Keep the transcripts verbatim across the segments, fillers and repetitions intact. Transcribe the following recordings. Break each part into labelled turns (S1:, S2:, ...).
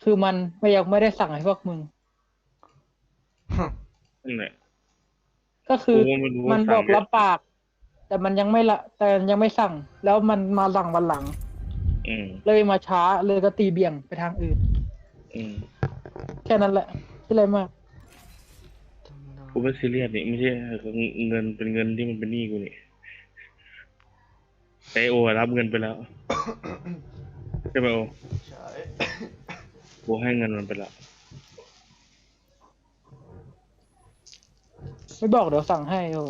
S1: คือมันไม่ยังไม่ได้สั่งให้พวกมึง
S2: นั่นแหละ
S1: ก็คือ
S2: กูก็ไม่รู้
S1: มั
S2: ว่า
S1: นบอก
S2: สั่งเนี่ย
S1: รับปากแต่มันยังไม่ละแต่ยังไม่สั่งแล้วมันมาสั่งวันหลัง
S2: อืม
S1: เลยมาช้าเลยก็ตีเบี่ยงไปทางอื่น
S2: อืม
S1: แค่นั้นแหละที่ไรมาก
S2: กูไม่ซีเรียสนี่ไม่ใช่เงินเป็นเงินที่มันเป็นหนี้กูนี่แต่ไอ้โอรับเงินไปแล้วใช่ไหมโอ
S3: ใช่
S2: กูให้เงินมันไปแล้ว
S1: ไม่บอกเดี๋ยวสั่งให้โอ้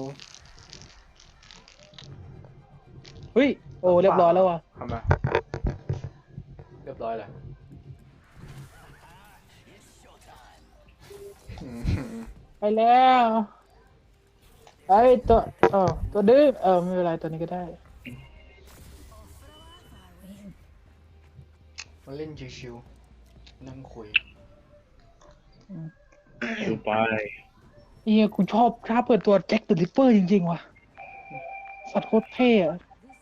S1: เฮ้ยโอ้เรียบร้อยแล้วว่ะ
S3: ทำไมเรียบร้อยแล้ว
S1: ไปแล้วไอ้ตัวเออตัวดื้อเออไม่เป็นไรตัวนี้ก็ได้
S3: มาเล่นชิวๆนั่งคุย
S2: ดูไป
S1: เฮียกูชอบชอบเปิดตัวแจ็คเดอะริปเปอร์จริงๆว่ะสัตว์โคตรเท่อะ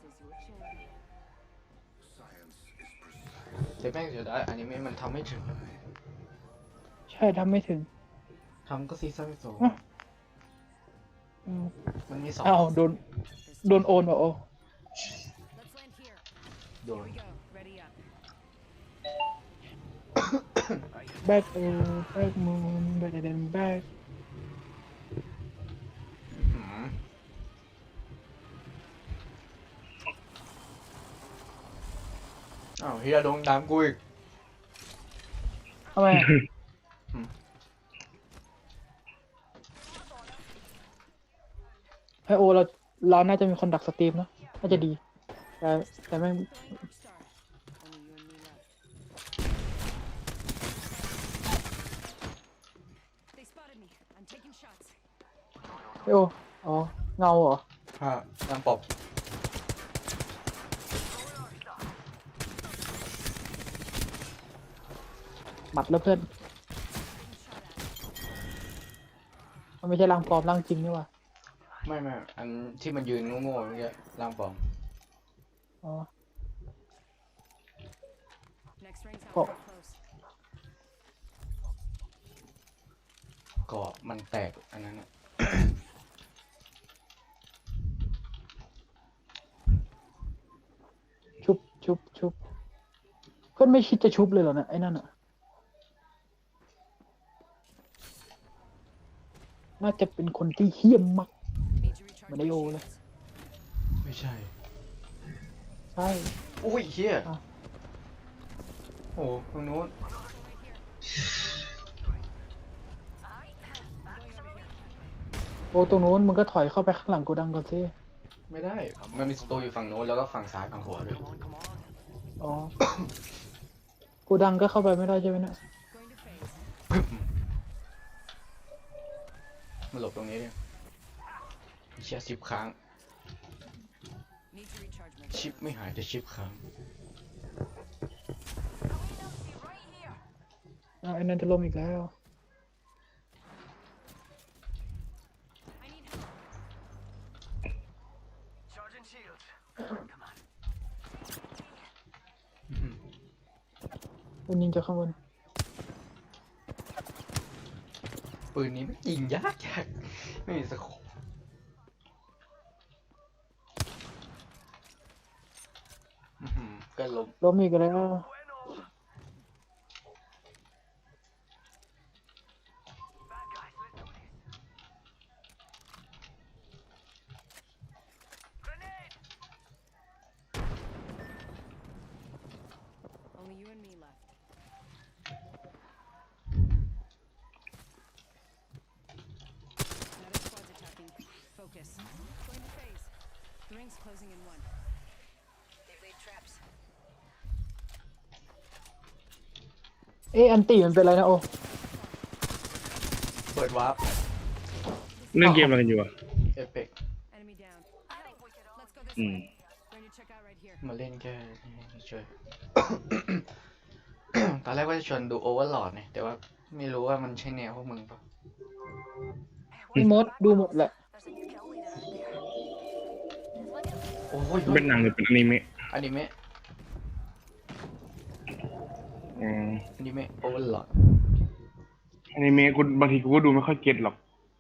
S3: แต่แม่งเสียดายอันนี้มันทำไม่ถึง
S1: ใช่ทำไม่ถึง
S3: ทำก็ซีซั่นสอง
S1: อ่ะ อืม
S3: มันมีสอง
S1: อ้าวโดนโดนโอนว่ะโอ้
S4: Let's land here.
S3: โดน
S4: Here we go. Ready up.
S1: แบ็คเออแบ็คมูนแบ็คเดนแบ็ค
S3: หืมอ้าวเฮียโดนตามกูอีก
S1: ทำไมอะ
S3: อืม
S1: ไอโอเราเราน่าจะมีคนดักสตรีมเนอะน่าจะดีแต่แต่ไม่ง
S4: Throwing Arc Star. Only you and me left. They spotted me. I'm taking shots.
S1: ไอโออ๋อเงาเหรอ
S3: ฮะตามปอบ
S1: หมัดแล้วเพื่อน
S4: Getting shot at.
S1: มันไม่ใช่ร่างปลอมร่างจริงนี่ว่ะ
S3: ไม่ไม่อันที่มันยืนโง่ๆเมื่อกี้ร่างปลอม
S1: อ๋อ
S4: Next ring's not
S1: Oh.
S4: very close.
S3: ก็มันแตกอันนั้นอะ
S1: ชุบชุบชุบเพื่อนไม่คิดจะชุบเลยเหรอเนี่ยไอ้นั่นอ่ะน่าจะเป็นคนที่เหี้ยมมาก
S4: Need to recharge
S1: Mà
S4: my
S1: đi ô lên.
S4: shields.
S3: ไม่ใช่
S1: ใช่
S3: โอ้ยเฮีย
S1: อ่ะ
S3: โอ้ตรงนู้น
S1: โอ้ตรงนู้นมึงก็ถอยเข้าไปข้างหลังโกดังก่อนสิ
S3: ไม่ได้ มันมีสตูอยู่ฝั่งโน้นแล้วก็ฝั่งซ้ายฝั่งขวาด้วย
S1: อ๋อโกดังก็เข้าไปไม่ได้ใช่ไหมเนี่ย
S4: Going to phase.
S3: มาหลบตรงนี้ดิเชียชิปค้าง
S4: Need to recharge my
S3: ชิป
S4: shields.
S3: ไม่หายแต่ชิปค้าง
S1: อ้าวไอ้นั่นจะล้มอีกแล้ว
S4: I need help.
S1: คุณยิงจากข้างบน
S3: ปืนนี้ไม่ยิงยากยากไม่มีสโคปอื้อหือก็ล้ม
S1: ล้มอีกแล้ว
S4: Only you and me left. Another squad's attacking. Focus. Going to phase. The ring's closing in one. They've laid traps.
S1: เอ๊ะอันตีมันเป็นอะไรนะโอ
S3: เปิดวาร์ป
S2: เล่นเกมอะไรกันอยู่อ่ะ
S3: เอฟเฟก
S4: Enemy down. Let's go this
S2: อืม
S4: way. Going to check out right here.
S3: มาเล่นแค่นี้เฉย ตอนแรกว่าจะชวนดูโอเวอร์ลอดเนี่ยแต่ว่าไม่รู้ว่ามันใช่แนวพวกมึงปะ
S1: พี่มดดูหมดแหละ
S3: โอ้ย
S2: เป็นหนังหรือเป็นอนิเมะ
S3: อนิเมะ
S2: อืม
S3: อนิเมะโอเวอร์ลอด
S2: อนิเมะกูบางทีกูก็ดูไม่ค่อยเก็ตหรอก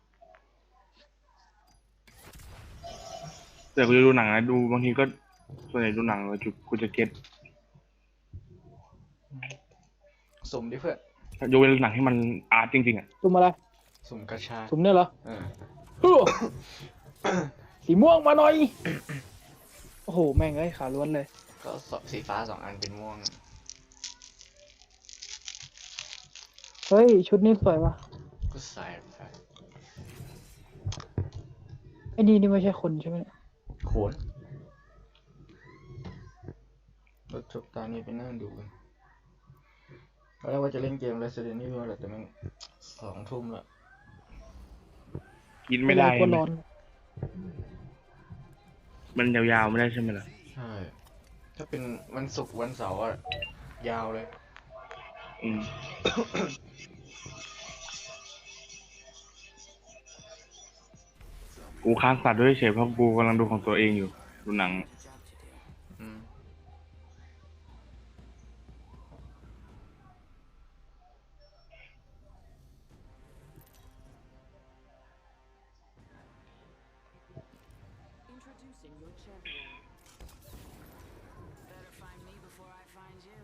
S2: แต่กูจะดูหนังนะดูบางทีก็ส่วนใหญ่ดูหนังแล้วจุกูจะเก็ต
S3: สมดิเพื่อน
S2: ยกเว้นหนังที่มันอาร์ตจริงๆอ่ะ
S1: ซุ่มอะไร
S3: สมกระชา
S1: ซุ่มเนี่ยเหรอ
S3: เออ
S1: ฮู้สีม่วงมาหน่อย โอ้โห แม่งเอ้ยขาล้วนเลย
S3: ก็สสีฟ้าสองอันเป็นม่วง
S1: เฮ้ย ชุดนี้สวยว่ะ
S3: ก็ใส่ไป
S1: ไอ้นี่นี่ไม่ใช่คนใช่ไหมเนี่ย
S3: โขนรถจบตานี้ไปนั่งดูกันตอนแรกว่าจะเล่นเกม Resident Evil แหละแต่แม่งสองทุ่มละ
S2: กินไม่ได้
S1: ก็ร้อน
S2: มันยาวๆไม่ได้ใช่ไหมล่ะ
S3: ใช่ ถ้าเป็นวันศุกร์วันเสาร์อะยาวเลย
S2: อืมกูค้างสัตว์ด้วยเฉยเพราะกูกำลังดูของตัวเองอยู่ดูหนัง
S3: อืม
S4: Introducing your champion. Better find me before I find you.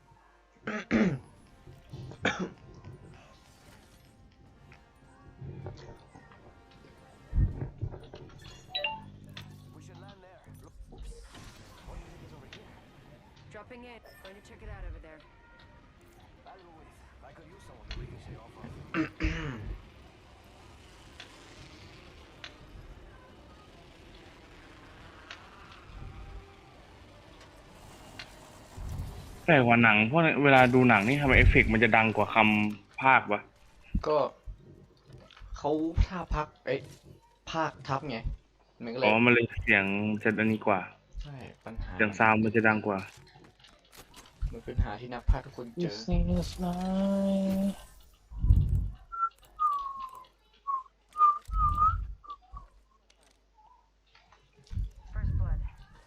S4: 'Dropping in. Going to check it out over there.
S2: แต่กว่าหนังเพราะเวลาดูหนังนี่ทำไมเอฟเฟกต์มันจะดังกว่าคำภาควะ
S3: ก็เขาท่าพักเอ้ยภาคทับไง มันก็เล
S2: อ๋
S3: ย
S2: อมันเลยเสียงจะอันนี้กว่า
S3: ใช่ ปัญหา
S2: เสียงซาวด์มันจะดังกว่า
S3: มันเป็นปัญหาที่นักพากย์ทุกคนเจ
S1: This
S3: อ
S1: is nice
S4: First blood.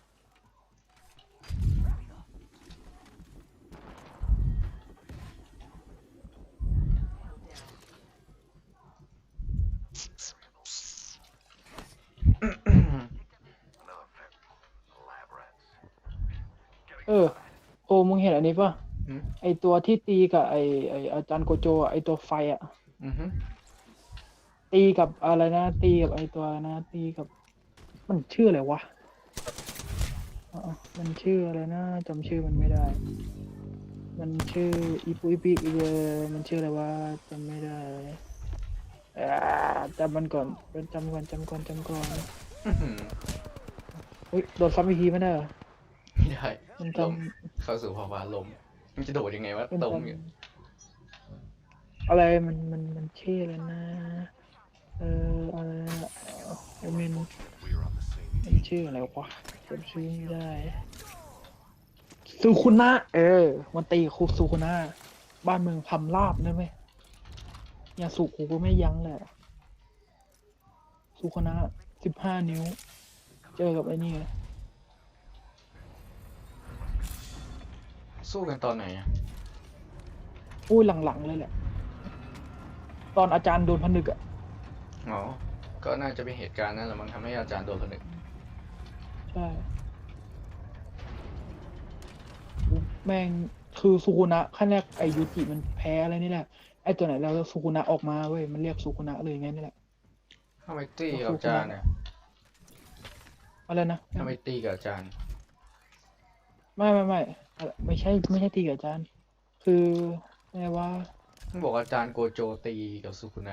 S1: เออ โอ้มึงเห็นอันนี้ป่ะ
S3: อืม
S1: ไอตัวที่ตีกับไอไออาจารย์โกโจอะไอตัวไฟอ่ะ
S3: อือฮึ
S1: ตีกับอะไรนะ ตีกับไอตัวอะไรนะ ตีกับ มันชื่ออะไรวะอ๋อมันชื่ออะไรนะจำชื่อมันไม่ได้ มันชื่ออีปุอีปีอีเวอร์มันชื่ออะไรวะจำไม่ได้อ่าจำมันก่อนจำก่อนจำก่อนจำก่อน
S3: อื้อหือ
S1: เฮ้ยโดนซ้ำอีกทีไม่ได้เหรอ
S3: ไม่ได้
S1: มันจ
S3: ลมเข้าสู่ภาวะลม มันจะโดดยังไงวะ
S1: ำมัน
S3: ต
S1: จ
S3: รงเนี่ย
S1: ำอะไรมันมันมันชื่ออะไรนะ เอออะไรนะไอเมนมันชื่ออะไรวะจำชื่อไม่ได้ซูคุนะเออ มันตีคูซูคุนะบ้านเมืองพำราบได้ไหมยาสุกูก็ไม่ยั้งเลยซูคุนะสิบห้านิ้ว เจอกับไอ้นี่เลย
S3: สู้กันตอนไหนอะ
S1: อุ้ยหลังๆเลยแหละ ตอนอาจารย์โดนผนึกอะ
S3: อ๋อ ก็น่าจะเป็นเหตุการณ์นั่นแหละมันทำให้อาจารย์โดนผนึก
S1: ใช่แม่งคือซูคุนะขั้นแรกไอยูจิมันแพ้อะไรนี่แหละ ไอตัวไหนแล้วซูคุนะออกมาเว้ย มันเรียกซูคุนะเลยไงนี่แหละ
S3: ทำไมตีกับอาจารย์เนี่ย
S1: อะไรนะ
S3: ทำไมตีกับอาจารย์
S1: ไม่ไม่ไม่อะไรไม่ใช่ไม่ใช่ตีกับอาจารย์ คือไงว่า
S3: มันบอกอาจารย์โกโจตีกับสุคุนะ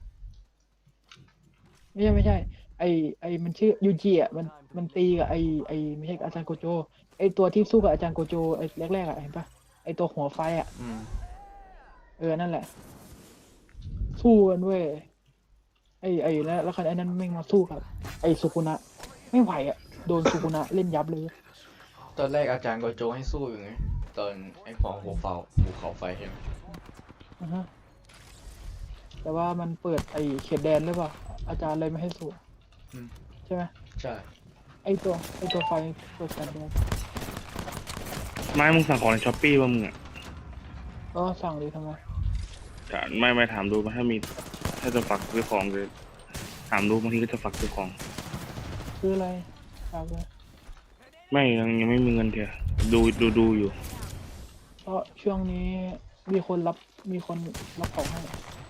S1: ไม่ใช่ไม่ใช่ ไอไอมันชื่อยูจิอ่ะมันมันตีกับไอไอไม่ใช่กับอาจารย์โกโจ ไอตัวที่สู้กับอาจารย์โกโจไอแรกๆอ่ะเห็นปะไอตัวหัวไฟอ่ะ
S3: อืม
S1: เออนั่นแหละ สู้กันเว้ยไอไอแล้วแล้วคันไอนั้นแม่งมาสู้กับไอสุกุนะไม่ไหวอ่ะโดนสุกุนะเล่นยับเลย
S3: ตอนแรกอาจารย์โกโจให้สู้อยู่ไง ตอนไอ้ของหัวเฝ้าภูเขาไฟใช่ไหม
S1: นะฮะแต่ว่ามันเปิดไอเขตแดนหรือเปล่าอาจารย์เลยไม่ให้สู้
S3: อืม
S1: ใช่ไหม
S3: ใช่
S1: ไอตัวไอตัวไฟเปิดเขตแดน
S2: ไม้มึงสั่งของในช้อปปี้ป่ะมึงอ่ะ
S1: ก็สั่งดิทำไม
S2: ถามไม่ไม่ถามดูมาถ้ามีถ้าจะฝากซื้อของเลยถามดูบางทีก็จะฝากซื้อของ
S1: ซื้ออะไรฝากเลย
S2: ไม่ยังยังไม่มีเงินเถอะดูดูดูอยู่
S1: เพราะช่วงนี้มีคนรับมีคนรับของให้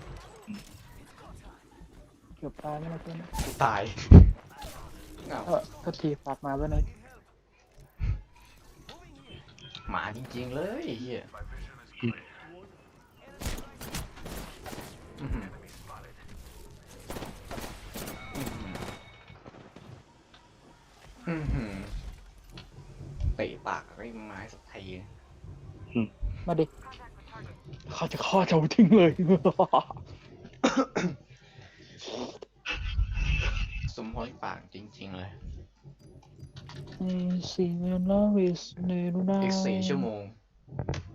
S1: เกือบตายไม่ละเพื่อน
S3: กูตายเอ้า
S1: เออก็ทีฝากมาไว้หน่อย
S3: หมาจริงๆเลยไอ้เฮียอื้อหืออื้อหือเตะปากไอ้ไม้สักที
S1: มาดิเขาจะฆ่าเจ้าทิ้งเลย
S3: สมพรปากจริงๆเลย
S1: ในสิ่งนั้นวิสเนรุนา
S3: อีกสี่ชั่วโมง